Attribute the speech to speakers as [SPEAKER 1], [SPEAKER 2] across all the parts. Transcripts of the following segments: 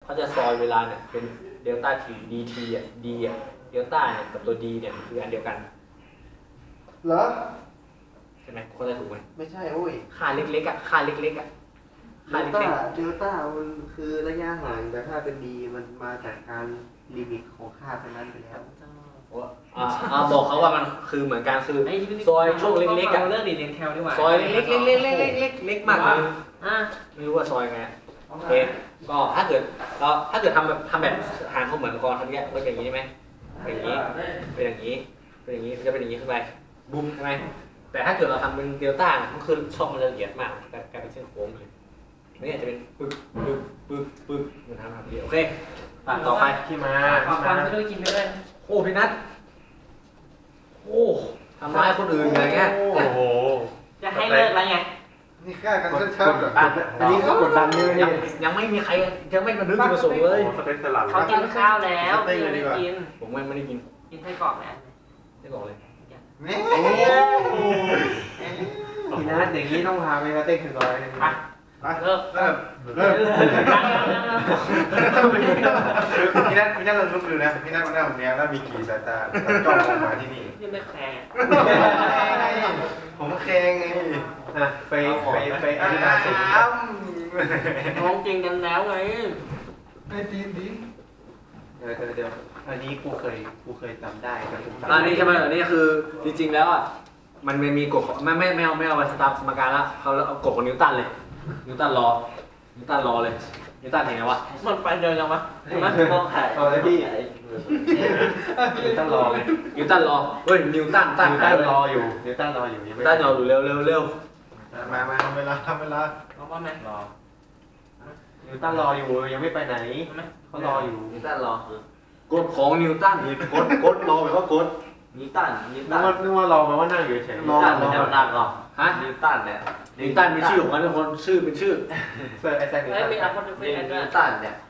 [SPEAKER 1] เขาจะซอยเวลาเนี่ยเป็นเดลต้าทีดีทีอ่ะดีอ่ะเดลต้าเนี่ยกับตัวดีเนี่ยคืออันเดียวกัน
[SPEAKER 2] เหรอ
[SPEAKER 1] ใช่ไหมคนจะถูกไหม
[SPEAKER 2] ไม่ใช่โอ้ย
[SPEAKER 1] ค่าเล็กๆอ่ะค่าเล็กๆอ่ะ
[SPEAKER 2] เดลต้ามันคือระยะห่างแต่ถ้าเป็นดีมันมาจากการลิมิตของค่าเท่านั้นไปแล้ว
[SPEAKER 1] บอกเขาว่ามันคือเหมือนกันคือซอยช่วงเล็กๆอ่ะ
[SPEAKER 3] เรื่องดีเรียนแคลดีกว่า
[SPEAKER 1] ซอยเล็กๆเล็กมากเลยไม่รู้ว่าซอยไงโอเคก็ถ้าเกิดทำแบบหางเขาเหมือนกรทำเนี้ยก็อย่างนี้ใช่ไหมเป็นอย่างนี้เป็นอย่างนี้เป็นอย่างนี้จะเป็นอย่างนี้ขึ้นไปบุ้มใช่ไหมแต่ถ้าเกิดเราทำเป็นเดลต้ามันคือช่องมันละเอียดมากกลายเป็นเส้นโค้งเลยนี่อาจจะเป็นปึ๊กเหมือนทำแบบนี้โอเคต่อไป
[SPEAKER 3] ที่มาไม่ต้องกินไม่ได้
[SPEAKER 1] โอ้พี่นัทโอ้ทำร้ายคนอื่นอะไรเงี้ย
[SPEAKER 3] โอ้โหจะให้เลิกแล้วไง
[SPEAKER 2] นี่ฆ่ากันชัดๆอันนี้เขากดดันเลย
[SPEAKER 1] ยังไม่มีใครยังไม่มาดึงมาส่งเลย
[SPEAKER 3] เขากินข้าวแล้วไม่ได้กิน
[SPEAKER 1] ผมไม่ได้กิน
[SPEAKER 3] ไส้กรอกแล้ว
[SPEAKER 1] ไส้กรอกเลย
[SPEAKER 2] นี่
[SPEAKER 3] พี่นัทอย่างนี้ต้องพาไปมาเต้นถึงร้อยเลยเริ่ม
[SPEAKER 2] พี่นัทลองลุกดูนะพี่นัทมันนั่งตรงนี้แล้วมีกี่สายตาจ้องมองมาที่นี่
[SPEAKER 3] ยังไม่แคร์
[SPEAKER 2] ผมแคร์ไง
[SPEAKER 3] ไปอธิบายสิมองจริงกันแล้วไง
[SPEAKER 2] ไอ้ดี
[SPEAKER 3] เดี๋ยวอันนี้กูเคยจำได้
[SPEAKER 1] อันนี้ใช่ไหมอันนี้คือจริงๆแล้วอ่ะมันมีกฎไม่เอาไปสตาร์สมการละเขาเอากฎของนิวตันเลยนิวตันรอเลยนิวตันเห็นไงวะ
[SPEAKER 3] มันไปเดินยังวะใช่ไหมมองถ่าย
[SPEAKER 2] เลยพี่
[SPEAKER 3] นิวตันรอเลย
[SPEAKER 1] นิวตันรอเฮ้ยนิวตัน
[SPEAKER 3] รออยู่นิวตันรออยู่
[SPEAKER 1] เร็ว
[SPEAKER 2] มาเวลา
[SPEAKER 3] รอว่าแม่รอนิวตันรออยู่ยังไม่ไปไหนเขารออยู่
[SPEAKER 1] นิวตันรอกฎของนิวตันกฎรอแบบว่ากฎนิวตัน
[SPEAKER 3] นึกว่ารอแปลว่านั่งอยู่เฉย
[SPEAKER 1] นิวตันเป็นแนวตั้งหรอฮะนิวตันเนี่ยนิวตันมีชื่อของมันทุกคนชื่อเป็นชื่อ
[SPEAKER 3] เฟิร์สไอแซคนิวตันมีอะไรคนเป็น
[SPEAKER 1] นิวตันเนี่ย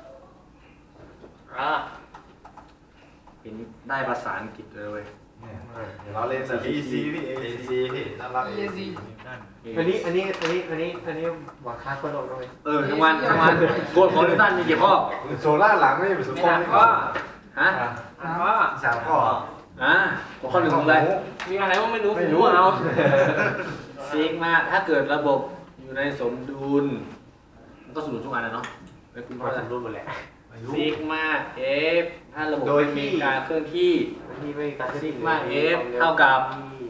[SPEAKER 1] เป็นได้ภาษาอังกฤษเลยเว้ย
[SPEAKER 2] เราเล่นแบบ EC พี่ AC พี่น่ารัก EC
[SPEAKER 3] อันนี้วัดค่าคนโลกด้วย
[SPEAKER 1] ทั้งวันกฎของนิวตันมีกี่ข้อ
[SPEAKER 2] โซล่าหลังไม่ใช่สุด
[SPEAKER 3] ข้อ
[SPEAKER 1] ฮะ
[SPEAKER 2] 3 ข้อ
[SPEAKER 1] ข้อหนึ่งอะไร
[SPEAKER 3] มีอะไรว่าไม่รู้เอา
[SPEAKER 1] ซิกมาถ้าเกิดระบบอยู่ในสมดุลมันก็สมดุลทุกอันนะเนาะ
[SPEAKER 3] ไม่คุณก็สมดุลหมดแหละ
[SPEAKER 1] ซิกมาเอฟถ้าระบบมีการเคลื่อนที่ซิกมาเอฟเท่ากับ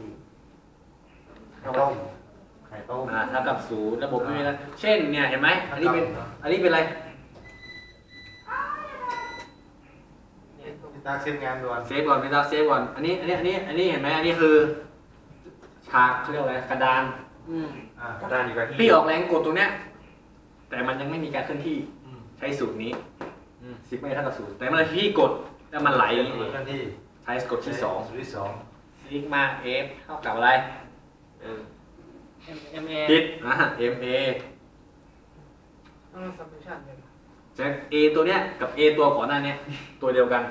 [SPEAKER 2] ไข่ต้ม
[SPEAKER 1] เท่ากับ0ระบบไม่มีแล้วเช่นเนี่ยเห็นไหมอันนี้เป็นอะไร
[SPEAKER 2] ตาเซฟงานด่วน
[SPEAKER 1] เซฟก่อนพี่ตาเซฟก่อนอันนี้เห็นไหมอันนี้คือฉากเขาเรียกอะไรกระดาน
[SPEAKER 2] กระดานอยู่กับที่
[SPEAKER 1] พี่ออกแรงกดตรงเนี้ยแต่มันยังไม่มีการเคลื่อนที่ใช้สูตรนี้ซิกไม่เท่ากับ0แต่เมื่อพี่กดแล้วมันไหลใช้กดที่2ซิกมาเอฟเท่ากับอะไร
[SPEAKER 3] MA
[SPEAKER 1] ผิดMA จาก A ตัวเนี้ยกับ A ตัวก่อนหน้านี้ตัวเดียวกัน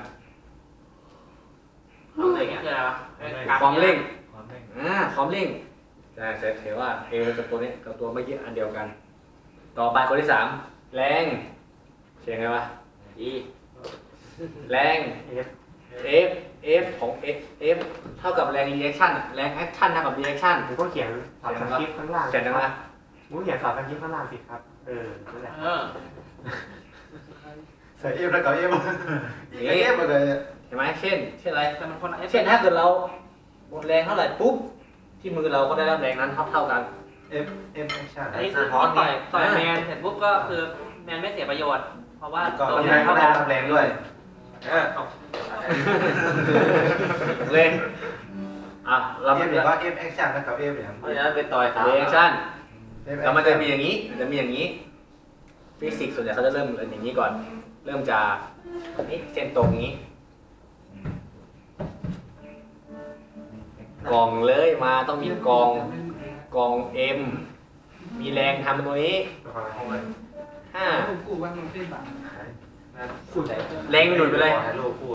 [SPEAKER 3] ความเร่ง
[SPEAKER 1] ความเร่งแต่เห็นว่า A กับตัวนี้กับตัวเมื่อกี้อันเดียวกันต่อไปคนที่3แรงเขียนไงวะ E แรง F ของ F เท่ากับแรง reaction แรง action เท่ากับ reaction
[SPEAKER 3] ผมก็เขียนสอบสคริปต์ข้างล่าง
[SPEAKER 1] เขียนนะ
[SPEAKER 3] ผมเขียนสอบสคริปต์ข้างล่างสิครับนั่นแหละ
[SPEAKER 2] ใส่เอฟแล้วกับเอฟอะไร
[SPEAKER 1] เห็นไหมเช่นอะไรเช่นถ้าเกิดเราหมดแรงเท่าไหร่ปุ๊บที่มือเราก็ได้รับแรงนั้นเท่ากัน
[SPEAKER 2] F action
[SPEAKER 3] อันนี้คือต่อยแมนเสร็จปุ๊บก็คือแมนไม่เสียประโยชน์เพราะว่า
[SPEAKER 2] ตัวแมนก็ได้รับแรงด้วย
[SPEAKER 1] เลย
[SPEAKER 2] เราไม่บอกว่า F action แล้วกับ F เนี่ย
[SPEAKER 1] เพราะฉะนั้นเป็นต่อย reaction แล้วมันจะมีอย่างนี้ฟิสิกส์ส่วนใหญ่เขาจะเริ่มอย่างนี้ก่อนเริ่มจากนี่เส้นตรงนี้กองเลยมาต้องมีกอง M มีแรงทำตัวนี้5แรงหนุนไปเลย